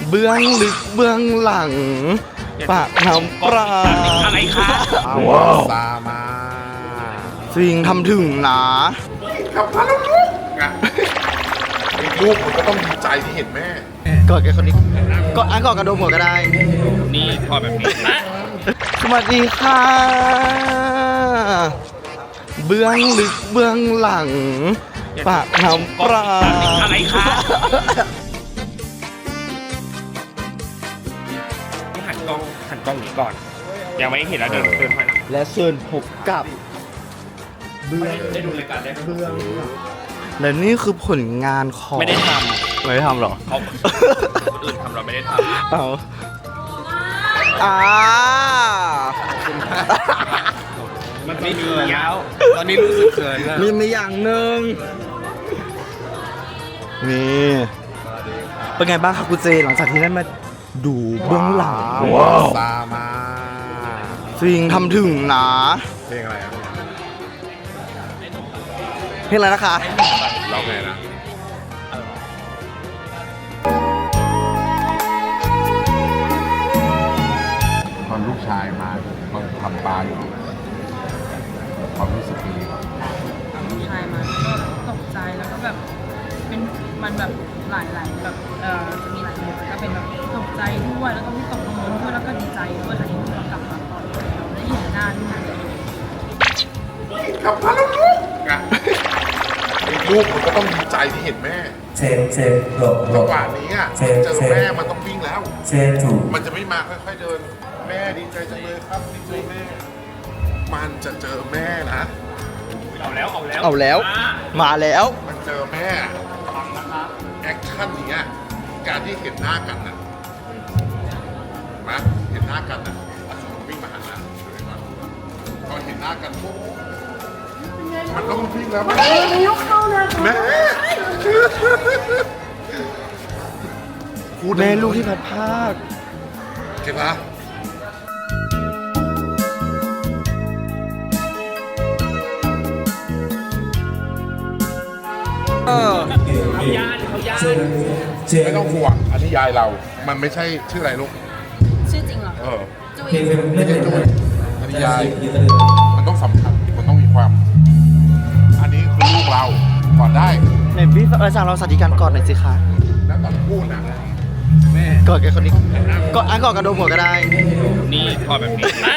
เบื้องลึกเบื้องหลังปากน้ำปลาอะไรคะว้าวซามาสิ่งทำถึงนะกับพาลูกลูกมันก็ต้องดีใจที่เห็นแม่กอดกันคนนี้กอดกระโดมหัวก็ได้นี่พอแบบนี้นะสวัสดีค่ะเบื้องลึกเบื้องหลังปากน้ำปลาอะไรคะหันกล้องนี้ก่อนยังไม่เห็นแล้วเดินไปและเชิญพบกับเบื้องได้ดูรายการได้เบื้องและนี่คือผลงานของไม่ได้ทำหรอเขาอื่นทำเราไม่ได้ทำเอามันไม่มียาวตอนนี้รู้สึกเขินนะมีอย่างหนึ่งนี่เป็นไงบ้างครับคุณเจหลังจากที่ได้มาดูเบื้องหลังซามาสิ่งทำถึงนะเพลงอะไรครับเพลงอะไรนะคะร้องไงนะตอนลูกชายมาทำปลาอยู่ความรู้สึกดีลูกชายมาก็ตกใจแล้วก็แบบเป็นมันแบบหลายแบบจะมีหลายโหมดก็เป็นแบบตกใจด้วยแล้วก็วิตกกังวลด้วยแล้วก็ดีใจด้วยค่ะที่เรากลับมาปลอดภัยแล้วได้เห็นหน้าที่นั่นกับพาลูกลูกมันก็ต้องดีใจที่เห็นแม่เชนหลบจังหวะนี้อ่ะเจอแม่มันต้องวิ่งแล้วเชนถูกมันจะไม่มาค่อยๆเดินแม่ดีใจจังเลยครับดีใจแม่มันจะเจอแม่นะเอาแล้วมาแล้วมันเจอแม่ฟังนะครับแอคชั่นอย่างเงี้ยการที่เห็นหน้ากันน่ะมาเห็นหน้ากันน่ะวิ่งมาหาพอเห็นหน้ากันปุ๊บมันต้องวิ่งแล้วแม่ยกเข้านะแม่แม่ลูกที่พัดภาคเก็บปะไม่ต้องห่วงอันนี้ยายเรามันไม่ใช่ชื่ออะไรลูกชื่อจริงเหรอจุยไม่ใช่จุยอันนี้ยายมันต้องสำคัญมันต้องมีความอันนี้คือลูกเราก่อนได้ในพี่สั่งเราสวัสดิการก่อนหน่อยสิคะแล้วตอนพูดนะแม่กอดกันคนนี้กอดกระโดมหัวก็ได้นี่พอแบบนี้นะ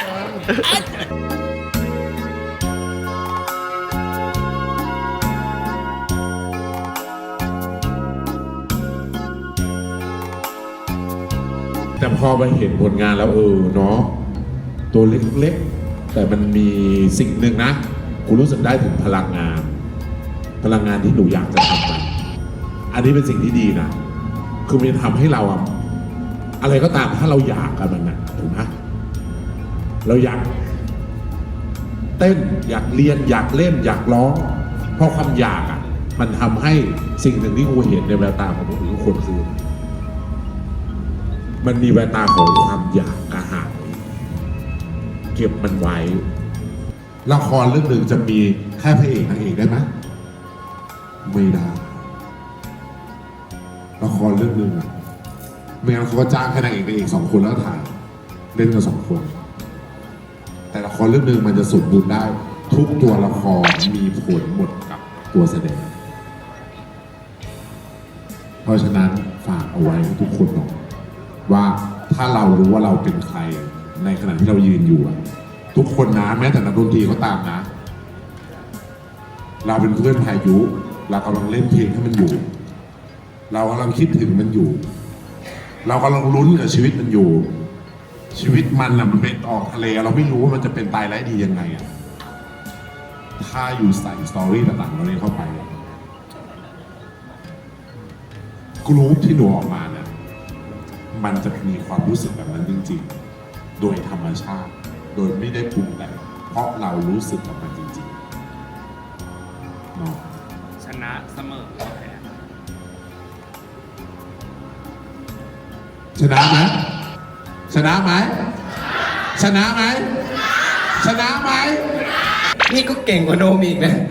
แต่พอมาเห็นผลงานแล้วเนาะตัวเล็กๆแต่มันมีสิ่งหนึ่งนะกูรู้สึกได้ถึงพลังงานที่หนูอยากจะทำมันอันนี้เป็นสิ่งที่ดีนะคือมันทำให้เราอะไรก็ตามถ้าเราอยากกันมันนะถูกไหมเราอยากเต้นอยากเรียนอยากเล่นอยากร้องเพราะความอยากมันทำให้สิ่งหนึ่งที่กูเห็นในแววตาของทุกคนคือมันมีแววตาของความอยากกระหายเก็บมันไว้ละครเรื่องหนึ่งจะมีแค่พระเอกนางเอกได้ไหมไม่ได้ละครเรื่องหนึ่งไม่งั้นเขาก็จ้างแค่นางเอก2 คนแล้วถ่ายเล่นกัน2 คนแต่ละครเรื่องหนึ่งมันจะสมบูรณ์ได้ทุกตัวละครมีผลหมดกับตัวแสดงเพราะฉะนั้นฝากเอาไว้ทุกคนหน่อยว่าถ้าเรารู้ว่าเราเป็นใครในขณะที่เรายืนอยู่ทุกคนนะแม้แต่นักดนตรีก็ตามนะเราเป็นเพื่อนพายุเรากำลังเล่นเพลงให้มันอยู่เรากำลังคิดถึงมันอยู่เรากำลังลุ้นกับชีวิตมันอยู่ชีวิตมันมันเป็นออกทะเลเราไม่รู้ว่ามันจะเป็นตายร้ายดียังไงถ้าอยู่ใส่สตอรี่ต่างๆเราเนี่ยเข้าไปกรุ๊ปที่หนูออกมาเนี่ยมันจะมีความรู้สึกแบบนั้นจริงๆโดยธรรมชาติโดยไม่ได้ปรุงแต่งเพราะเรารู้สึกกับมันจริงๆเนาะชนะเสมอชนะไหมชนะไหมชนะไหมชนะไหมนี่ก็เก่งกว่าโดมอีกนะ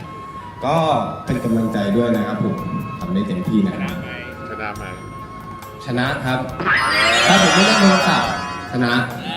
ก็เป็นกำลังใจด้วยนะครับผมทำได้เต็มที่นะชนะไหมชนะครับ ถ้าผมไม่เล่นโทรศัพท์ชนะ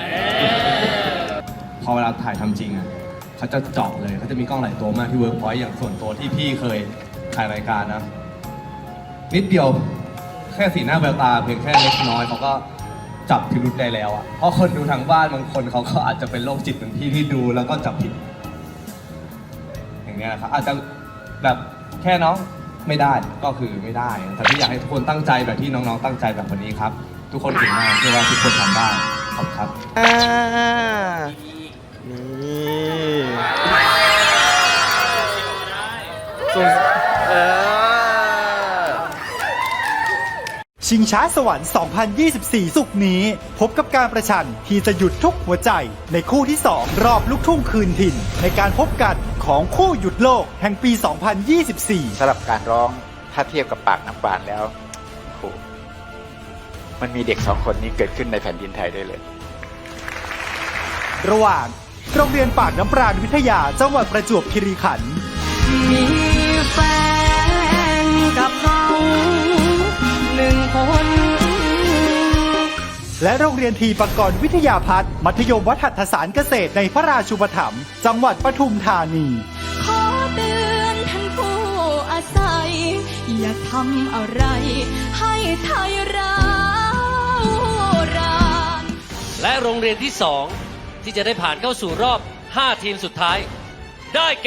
พอเวลาถ่ายทำจริงอ่ะเขาจะเจาะเลยเขาจะมีกล้องหลายตัวมากที่เวิร์กพอยต์อย่างส่วนตัวที่พี่เคยถ่ายรายการนะ นิดเดียวแค่สีหน้าแววตาเพียงแค่เล็กน้อยเขาก็จับพิรุธได้แล้วอ่ะเพราะคนดูทางบ้านบางคนเขาก็อาจจะเป็นโรคจิตเหมือนพี่ที่ดูแล้วก็จับผิด อย่างเงี้ยครับอาจจะแบบแค่น้องไม่ได้ก็คือไม่ได้แต่ที่อยากให้ทุกคนตั้งใจแบบที่น้องๆตั้งใจแบบวันนี้ครับ ทุกคนเก่งมากเชื่อว่าทุกคนทำได้ขอบคุณครับนี่ส่วนชิงช้าสวรรค์ 2024 สุกร์นี้ พบกับการประชันที่จะหยุดทุกหัวใจในคู่ที่ 2 รอบลูกทุ่งคืนถิ่น ในการพบกันของคู่หยุดโลกแห่งปี 2024 สำหรับการร้องถ้าเทียบกับปากน้ำปานแล้วโหมันมีเด็ก2 คนนี้เกิดขึ้นในแผ่นดินไทยได้เลยระหว่างโรงเรียนปากน้ำปราณวิทยาจังหวัดประจวบคีรีขันธ์มีแฟนกับเขา1 คนและโรงเรียนทีปกรณ์วิทยาพัฒน์มัธยมวัฒนศาสตร์เกษตรในพระราชูปถัมภ์จังหวัดปทุมธานีขอเตือนท่านผู้อาศัย อย่าทำอะไรให้ไทยร้าวรานและโรงเรียนที่ 2 ที่จะได้ผ่านเข้าสู่รอบ 5 ทีมสุดท้าย ได้แก่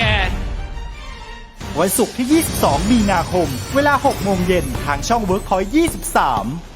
วันศุกร์ที่ 22 มีนาคม เวลา 6 โมงเย็นทางช่อง WorkPoint 23